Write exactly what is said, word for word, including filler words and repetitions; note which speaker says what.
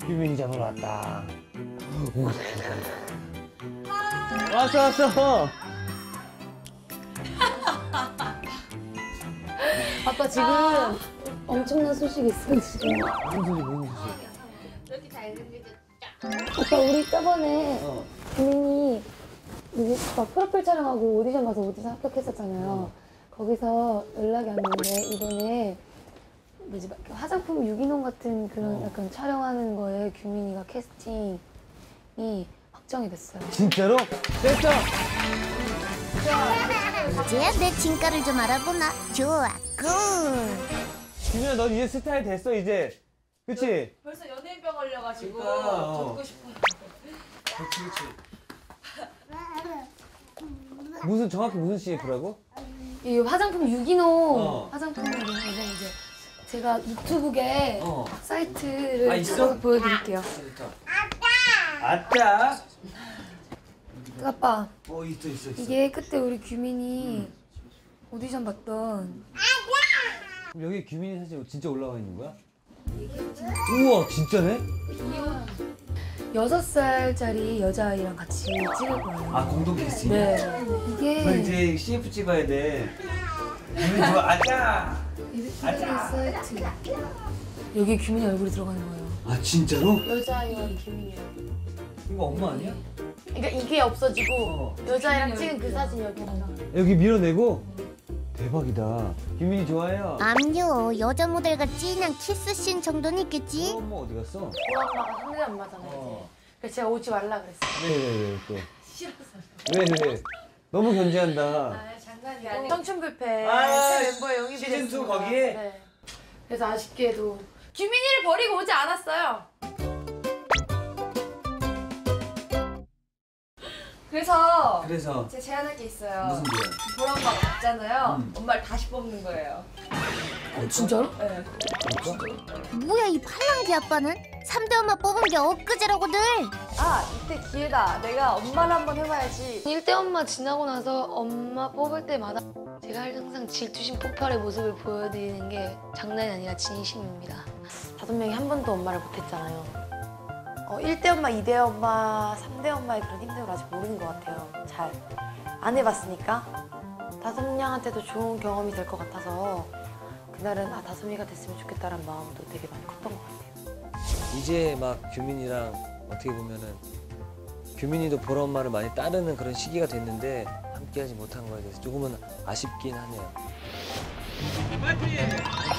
Speaker 1: 규민이 잡으러 왔다. 왔어 왔어.
Speaker 2: 아빠 지금 엄청난 소식이 있어 지금.
Speaker 1: 무슨 소리 무슨 소리?
Speaker 3: 이렇게 잘생겨졌다.
Speaker 2: 아빠 우리 저번에
Speaker 1: 어.
Speaker 2: 규민이 뭐지? 막 프로필 촬영하고 오디션 가서 오디션 합격했었잖아요.
Speaker 1: 어.
Speaker 2: 거기서 연락이 왔는데 이번에 뭐지? 막 화장품 유기농 같은 그런
Speaker 1: 어.
Speaker 2: 약간 촬영하는 거에 규민이가 캐스팅이 확정이 됐어요.
Speaker 1: 진짜로? 됐어.
Speaker 3: 이제야 내 진가를 좀 알아보나? 좋아, 굿.
Speaker 1: 규민아 넌 이제 스타일 됐어 이제. 그치?
Speaker 4: 벌써 연예인병 걸려가지고
Speaker 1: 그러니까, 어.
Speaker 4: 걷고 싶어요.
Speaker 1: 그치 그치. 무슨 정확히 무슨 씨에프라고?
Speaker 2: 이 화장품 유기농
Speaker 1: 어.
Speaker 2: 화장품 유기농 이제 제가 유튜브에
Speaker 1: 어.
Speaker 2: 사이트를
Speaker 1: 아, 있어?
Speaker 2: 들어가서 보여드릴게요.
Speaker 1: 아따.
Speaker 2: 아빠
Speaker 1: 어 있어 있어 있어.
Speaker 2: 이게 그때 우리 규민이 오디션 봤던
Speaker 1: 그럼 여기 규민이 사진 진짜 올라와 있는 거야? 우와 진짜네?
Speaker 2: 여섯 살짜리 여자아이랑 같이 찍을 거예요.
Speaker 1: 아 공동 캐스팅?
Speaker 2: 네.
Speaker 1: 그럼
Speaker 2: 이게
Speaker 1: 이제 씨에프 찍어야 돼. 규민 좋아 아따.
Speaker 2: 이렇게 사이트 여기 규민이 얼굴이 들어가는 거예요.
Speaker 1: 아 진짜로?
Speaker 2: 여자아이와 규민이랑.
Speaker 1: 이거 엄마 아니야?
Speaker 2: 그러니까 이게 없어지고
Speaker 1: 어.
Speaker 2: 여자아이랑 찍은 그 사진 여기 하나.
Speaker 1: 여기 밀어내고? 대박이다. 규민이 좋아해요.
Speaker 3: 암요, 여자 모델과 진한 키스씬 정도는 있겠지?
Speaker 1: 엄마 어디 갔어?
Speaker 2: 우리 엄마가 상대 엄마잖아요.
Speaker 1: 어.
Speaker 2: 그래서 제가 오지 말라 그랬어요.
Speaker 1: 왜왜왜 또?
Speaker 2: 싫었어요.
Speaker 1: 왜 왜? 너무 견제한다.
Speaker 2: 아, 장난이고. 청춘뷔페
Speaker 1: 아,
Speaker 2: 새 멤버에 영입이
Speaker 1: 시즌 투
Speaker 2: 됐습니다.
Speaker 1: 거기에?
Speaker 2: 네. 그래서 아쉽게도 규민이를 버리고 오지 않았어요.
Speaker 4: 그래서
Speaker 1: 그래서
Speaker 4: 제가 제안할 게 있어요.
Speaker 1: 무슨 일?
Speaker 4: 보람마가 없잖아요.
Speaker 1: 음.
Speaker 4: 엄마를 다시 뽑는 거예요.
Speaker 2: 진짜로?
Speaker 4: 네.
Speaker 3: 뭐야 이 팔랑귀 아빠는? 삼 대 엄마 뽑은 게 엊그제라고들.
Speaker 4: 아 이때 기회다. 내가 엄마를 한번 해봐야지.
Speaker 2: 일대 엄마 지나고 나서 엄마 뽑을 때마다 제가 항상 질투심 폭발의 모습을 보여드리는 게 장난이 아니라 진심입니다. 다섯 명이 한 번도 엄마를 못했잖아요. 어, 일 대 엄마, 이 대 엄마, 삼 대 엄마의 그런 힘듦을 아직 모르는 것 같아요. 잘 안 해봤으니까 다섯 명한테도 좋은 경험이 될 것 같아서 그날은 아 다섯 명이 됐으면 좋겠다는 마음도 되게 많이 컸던 것 같아요.
Speaker 5: 이제 막 규민이랑 어떻게 보면은 규민이도 보라 엄마를 많이 따르는 그런 시기가 됐는데 함께하지 못한 거에 대해서 조금은 아쉽긴 하네요.